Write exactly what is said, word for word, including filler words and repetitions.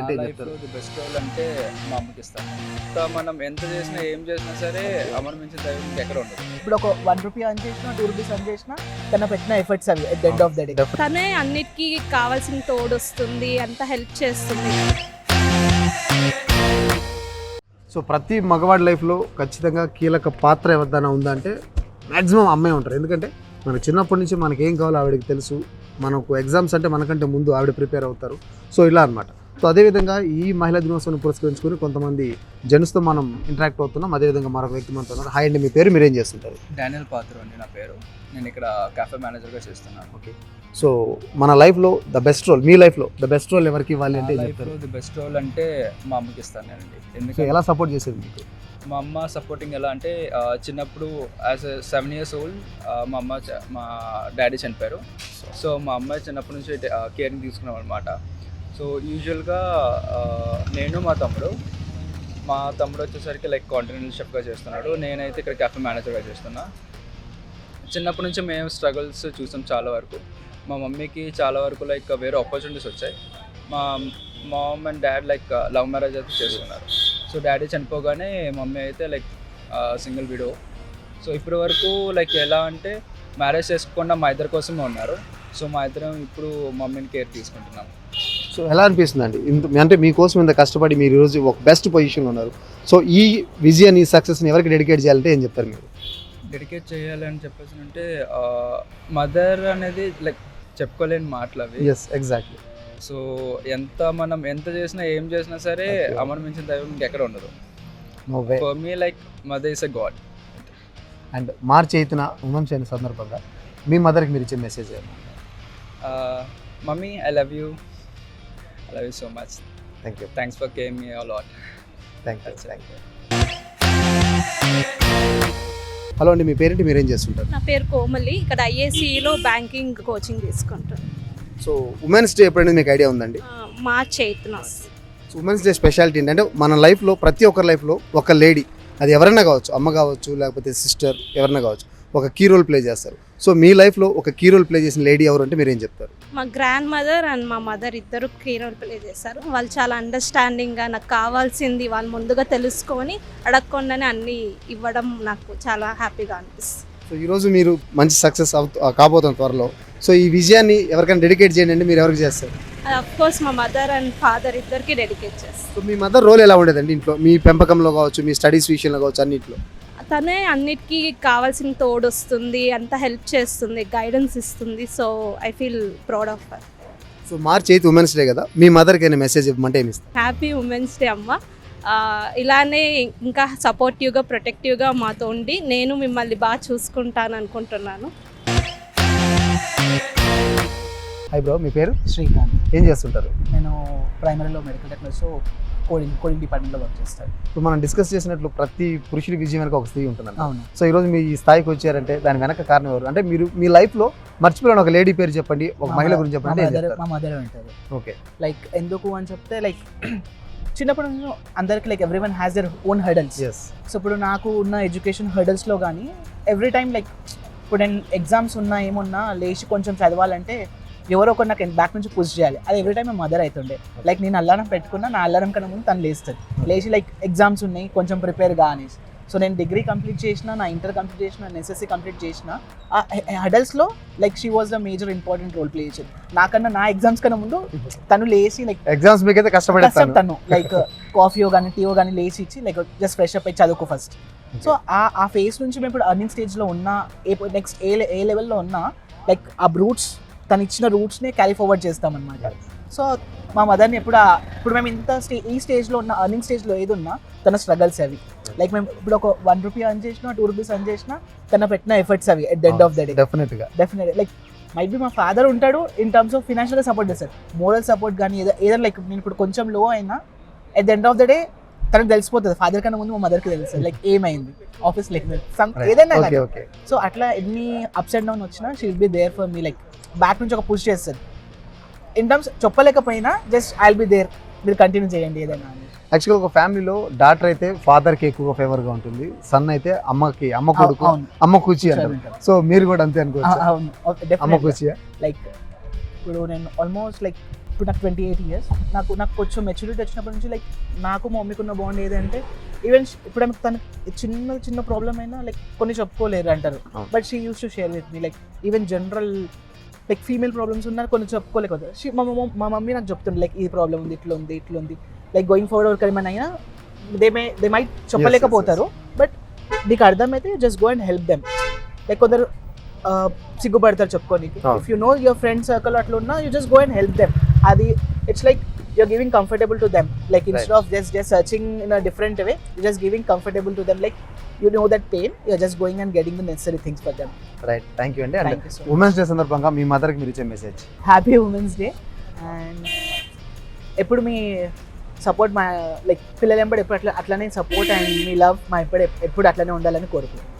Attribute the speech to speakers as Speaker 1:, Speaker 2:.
Speaker 1: అంటే ఏం
Speaker 2: లైఫ్లో
Speaker 1: చెప్తారు?
Speaker 2: ది బెస్ట్ రోల్ అంటే మా అమ్మకి ఇస్తాను. ఇంకా మనం ఎంత చేసినా ఏం చేసినా సరే అమ్మని మించిన దైవం ఎక్కడ ఉండదు.
Speaker 3: ఇప్పుడు ఒక వన్ రూపీ అని చేసినా టూ రూపీస్ అని చేసినా తన పెట్టిన ఎఫర్ట్స్ అవి at the end of the day.
Speaker 4: తనే అన్నిటికీ కావాల్సిన తోడొస్తుంది, అంత హెల్ప్ చేస్తుంది.
Speaker 1: సో ప్రతి మగవాడి లైఫ్లో ఖచ్చితంగా కీలక పాత్ర ఎవరిదైనా ఉందంటే మ్యాక్సిమం అమ్మాయి ఉంటారు. ఎందుకంటే మనకు చిన్నప్పటి నుంచి మనకి ఏం కావాలో ఆవిడకి తెలుసు. మనకు ఎగ్జామ్స్ అంటే మనకంటే ముందు ఆవిడ ప్రిపేర్ అవుతారు. సో ఇలా అనమాట. సో అదేవిధంగా ఈ మహిళా దినోత్సవాన్ని పురస్కరించుకొని కొంతమంది జెంట్స్తో మనం ఇంటరాక్ట్ అవుతున్నాం. అదేవిధంగా మరొక వ్యక్తి మనతో ఉన్నారు. హాయ్ అండి, మీ పేరు, మీరేం చేస్తుంటారు?
Speaker 2: డానియల్ పాత్ర అండి నా పేరు. నేను ఇక్కడ కాఫే మేనేజర్గా చేస్తున్నాను.
Speaker 1: ఓకే. సో మన లైఫ్లో ద బెస్ట్ రోల్, మీ లైఫ్లో ద బెస్ట్ రోల్ ఎవరికి ఇవ్వాలి అంటే ఏం చెప్తారు?
Speaker 2: లైఫ్లో ది బెస్ట్ రోల్ అంటే మా అమ్మకి ఇస్తాను నేనండి.
Speaker 1: సో
Speaker 2: ఎందుకంటే
Speaker 1: ఎలా సపోర్ట్ చేసేది మీకు?
Speaker 2: మా అమ్మ సపోర్టింగ్ ఎలా అంటే ఆ, చిన్నప్పుడు as a seven years old మా అమ్మ చ- మా డాడీ చనిపోయారు. సో మా అమ్మ చిన్నప్పటి నుంచి కేరింగ్ తీసుకున్నాం అనమాట. సో యూజువల్గా నేను మా తమ్ముడు మా తమ్ముడు వచ్చేసరికి లైక్ కాంటినెంటల్ షెఫ్గా చేస్తున్నాడు. నేనైతే ఇక్కడ కాఫే మేనేజర్గా చేస్తున్నా. చిన్నప్పటి నుంచి మేము స్ట్రగుల్స్ చూసాం చాలా వరకు. మా మమ్మీకి చాలా వరకు లైక్ వేరే ఆపర్చునిటీస్ వచ్చాయి. మా mom and dad like love marriage అయితే చేసుకున్నారు. సో డాడీ చనిపోగానే మమ్మీ అయితే లైక్ సింగిల్ విడో. సో ఇప్పటి వరకు లైక్ ఎలా అంటే మ్యారేజ్ చేసుకోకుండా మా ఇద్దరి కోసమే ఉన్నారు. సో మా ఇద్దరం ఇప్పుడు మమ్మీని కేర్ తీసుకుంటున్నాం.
Speaker 1: సో ఎలా అనిపిస్తుంది అండి? ఇంత అంటే మీకోసం ఇంత కష్టపడి మీరు ఈరోజు ఒక బెస్ట్ పొజిషన్లో ఉన్నారు. సో ఈ విజయాన్ని, ఈ సక్సెస్ని ఎవరికి డెడికేట్ చేయాలంటే ఏం చెప్తారు మీరు?
Speaker 2: డెడికేట్ చేయాలి అని చెప్పేసి అంటే మదర్ అనేది లైక్ చెప్పుకోలేని మాటలు అవి.
Speaker 1: Yes, exactly.
Speaker 2: సో ఎంత మనం ఎంత చేసినా ఏం చేసినా సరే
Speaker 1: Okay.
Speaker 2: అమ్మని మించిన దైవం ఇంకెక్కడ ఉండదు.
Speaker 1: No way.
Speaker 2: For me like mother is a god.
Speaker 1: And మార్చి ఎయిత్న ఉమెన్స్ డే సందర్భంగా మీ మదర్కి మీరు ఇచ్చే మెసేజ్ ఏమన్నా?
Speaker 2: Mummy I love you I love you so much.
Speaker 1: Thank you.
Speaker 2: Thanks for caring me all lot.
Speaker 1: Thank you. Thank you. Hello అండి, మీ పేరేంటి, మీరేం చేస్తుంటారు?
Speaker 4: నా పేరు కోమలి. ఇక్కడ ఐఏసీలో బ్యాంకింగ్ కోచింగ్ తీసుకుంటాను.
Speaker 1: సో ఉమెన్స్ డే ఎప్పుడైనా మీకు ఐడియా ఉందండి?
Speaker 4: మార్చ్ ఎయిత్న.
Speaker 1: సో ఉమెన్స్ డే స్పెషాలిటీ ఏంటంటే మన లైఫ్లో, ప్రతి ఒక్కరి లైఫ్లో ఒక లేడీ, అది ఎవరైనా కావచ్చు, అమ్మ కావచ్చు, లేకపోతే సిస్టర్, ఎవరైనా కావచ్చు, ఒక కీ రోల్ ప్లే చేస్తారు. సో మీ లైఫ్లో ఒక కీ రోల్ ప్లే చేసిన లేడీ ఎవరు అంటే మీరు ఏం చెప్తారు?
Speaker 4: మా గ్రాండ్ మదర్ అండ్ మా మదర్ ఇద్దరు కీ రోల్ ప్లే చేశారు. వాళ్ళు చాలా అండర్స్టాండింగ్గా నాకు కావాల్సింది వాళ్ళు ముందుగా తెలుసుకొని అడగకుండానే అన్నీ ఇవ్వడం నాకు చాలా హ్యాపీగా అనిపిస్తుంది.
Speaker 1: సో ఈరోజు మీరు మంచి సక్సెస్ అవుతూ కాబోతున్న త్వరలో. సో ఈ విజయాన్ని ఎవరికైనా డెడికేట్ చేయండి అంటే మీరు ఎవరికి చేస్తారు?
Speaker 4: అది అఫ్ కోర్స్ మా మదర్ అండ్ ఫాదర్ ఇద్దరికి డెడికేట్ చేస్తాను.
Speaker 1: సో మీ మదర్ రోల్ ఎలా ఉండేదండి ఇంట్లో? మీ పెంపకంలో కావచ్చు, మీ స్టడీస్ విషయంలో కావచ్చు, అన్నింటిలో.
Speaker 4: తనే అన్నిటికీ కావాల్సిన తోడొస్తుంది, అంత హెల్ప్ చేస్తుంది, గైడెన్స్ ఇస్తుంది. So I feel proud of her.
Speaker 1: So March eighth women's day కదా, మీ మదర్కి అయినా మెసేజ్ ఇవ్వమంటే ఏమి ఇస్తారు?
Speaker 4: హ్యాపీ ఉమెన్స్ డే అమ్మ. ఆ, ఇలానే ఇంకా సపోర్టివ్గా, ప్రొటెక్టివ్గా మాతో ఉండి నేను మిమ్మల్ని బాగా చూసుకుంటాను అనుకుంటున్నాను.
Speaker 1: హాయ్ బ్రో, మీ పేరు?
Speaker 3: శ్రీకాంత్.
Speaker 1: ఏం చేస్తుంటారు?
Speaker 3: నేను ప్రైమరీలో మెడికల్ టెక్నాలజీలో కోడింగ్ కోడింగ్ డిపార్ట్మెంట్లో వర్క్ చేస్తాను.
Speaker 1: ఇప్పుడు మనం డిస్కస్ చేసినట్లు ప్రతి పురుషుడి విజయం వెనక ఒక స్త్రీ ఉంటుందండి.
Speaker 3: అవును.
Speaker 1: సో ఈరోజు మీ ఈ స్థాయికి వచ్చారంటే దాని వెనక కారణం ఎవరు? అంటే మీరు మీ లైఫ్లో మర్చిపోయిన ఒక లేడీ పేరు చెప్పండి, ఒక
Speaker 3: మా
Speaker 1: మహిళ
Speaker 3: మదర్-
Speaker 1: గురించి
Speaker 3: మా
Speaker 1: చెప్పండి. ఏం
Speaker 3: మదర్
Speaker 1: చెప్తారు?
Speaker 3: మా మదర్ ఉంటుంది.
Speaker 1: ఓకే.
Speaker 3: లైక్ ఎందుకు అని చెప్తే లైక్ చిన్నప్పటి నుంచి అందరికి like every one has their own hurdles.
Speaker 1: Yes.
Speaker 3: So ఇప్పుడు నాకు ఉన్న ఎడ్యుకేషన్ హర్డల్స్లో కానీ ఎవ్రీ టైం లైక్ ఇప్పుడు నేను ఎగ్జామ్స్ ఉన్నా ఏమున్నా లేచి కొంచెం చదవాలంటే ఎవరో ఒకరు నాకు బ్యాక్ నుంచి పుష్ చేయాలి. అది ఎవ్రీ టైం మా మదర్ అవుతుండే. లైక్ నేను అల్లారం పెట్టుకున్నా, నా అల్లారం కన్నా ముందు తను లేస్తుంది. లేచి లైక్ ఎగ్జామ్స్ ఉన్నాయి కొంచెం ప్రిపేర్గా అనేసి. సో నేను డిగ్రీ కంప్లీట్ చేసిన, నా ఇంటర్ కంప్లీట్ చేసిన, నా ఎస్ఎస్సీ కంప్లీట్ చేసిన, ఆ హర్డల్స్లో like she was the major important role play చేసేది. నాకన్నా నా ఎగ్జామ్స్ కన్నా ముందు తను లేచి లైక్
Speaker 1: ఎగ్జామ్స్ మీకైతే కష్టపడేస్తాను.
Speaker 3: తను లైక్ కాఫీయో కానీ టీయో కానీ లేచి ఇచ్చి లైక్ జస్ట్ ఫ్రెష్ అప్ అయి చదువుకో ఫస్ట్. సో ఆ ఆ ఫేస్ నుంచి మేము ఇప్పుడు అర్నింగ్ స్టేజ్లో ఉన్నా, ఏ నెక్స్ట్ ఏ ఏ లెవెల్లో ఉన్నా లైక్ ఆ రూట్స్ తను ఇచ్చిన రూట్స్ని క్యారీ ఫార్వర్డ్ చేస్తామన్నమాట. సో మా మదర్ని ఎప్పుడు ఆ- ఇప్పుడు మేము ఇంత స్టే ఈ స్టేజ్లో ఉన్న అర్నింగ్ స్టేజ్లో ఏది ఉన్నా తన స్ట్రగల్స్ అవి. లైక్ మేము ఇప్పుడు ఒక వన్ రూపీ అర్న్ చేసినా, టూ రూపీస్ అర్న్ చేసినా తన పెట్టిన ఎఫర్ట్స్ అవి at the end of the day.
Speaker 1: డెఫినెట్గా.
Speaker 3: డెఫినెట్ లైక్ మైట్ బి మా ఫాదర్ ఉంటాడు ఇన్ టర్మ్స్ ఆఫ్ ఫినాన్షియల్గా సపోర్ట్ చేస్తారు, మోరల్ సపోర్ట్ కానీ ఏదో ఏదైనా లైక్ నేను ఇప్పుడు కొంచెం లో అయినా at the end of the day తనకు తెలిసిపోతుంది. ఫాదర్ కన్నా ముందు మా మదర్కి తెలుస్తుంది లైక్ ఏమైంది ఆఫీస్ లైక్ ఏదైనా.
Speaker 1: Okay, okay.
Speaker 3: సో అట్లా ఎన్ని అప్స్ అండ్ డౌన్ వచ్చినా she will be there for me. Like back నుంచి ఒక పుష్ చేస్తుంది ఇన్ టర్మ్స్ చెప్పలేకపోయినా just I will be there, మీరు కంటిన్యూ చేయండి ఏదైనా అని.
Speaker 1: యాక్చువల్గా ఒక ఫ్యామిలీలో డాటర్ అయితే ఫాదర్కి ఎక్కువగా ఫేవర్గా ఉంటుంది, సన్ అయితే అమ్మకి, అమ్మ కొడుకు,
Speaker 3: అవును.
Speaker 1: అమ్మ కూచి అంటారు. సో మీరు కూడా అంతే అనుకోవచ్చు.
Speaker 3: అవును
Speaker 1: అమ్మ కూచియా?
Speaker 3: లైక్ ఇప్పుడు నేను ఆల్మోస్ట్ లైక్ ఇప్పుడు నాకు ట్వంటీ ఎయిట్ ఇయర్స్ నాకు నాకు కొంచెం మెచ్యూరిటీ వచ్చినప్పటి నుంచి లైక్ నాకు మా మమ్మీకి ఉన్న బాండ్ ఏదంటే ఈవెన్ ఇప్పుడు ఆమెకు తనకు చిన్న చిన్న ప్రాబ్లం అయినా లైక్ కొన్ని చెప్పుకోలేరు అంటారు
Speaker 1: అవును.
Speaker 3: But she use to share with me like even general like female problems ఉన్నా కొన్ని చెప్పుకోలేకపోతే షీ మా మమ్మ మా మమ్మీ నాకు చెప్తుంది లైక్ ఈ ప్రాబ్లం ఉంది ఇట్లా ఉంది ఇట్లా ఉంది లైక్ గోయింగ్ ఫార్వర్డ్ ఎవరికి ఏమైనా అయినా దే మే దే మైట్ చెప్పలేకపోతారు బట్ నీకు అర్థమైతే just go and help them like కొందరు uh, సిగ్గుపడతారు చెప్పుకోనికి
Speaker 1: Oh.
Speaker 3: If you know your friend circle అట్లా ఉన్నా you just go and help them అది it's like you're giving comfortable to them like instead
Speaker 1: Right.
Speaker 3: of just just searching in a different way you're just giving comfortable to them like you know that pain you're just going and getting the necessary things for them.
Speaker 1: Right thank you అండి
Speaker 3: Thank
Speaker 1: and
Speaker 3: you so much.
Speaker 1: Women's day సందర్భంగా మీ మదర్కి మీరు ఇచ్చే message
Speaker 3: happy women's day and ఎప్పుడు మీ support మా like పిల్లలు ఎంపడి ఎప్పుడు అట్లా అట్లనే సపోర్ట్ అండ్ మీ లవ్ మా ఎప్పుడు ఎప్పుడు అట్లనే ఉండాలని కోరుకుంటున్నాను.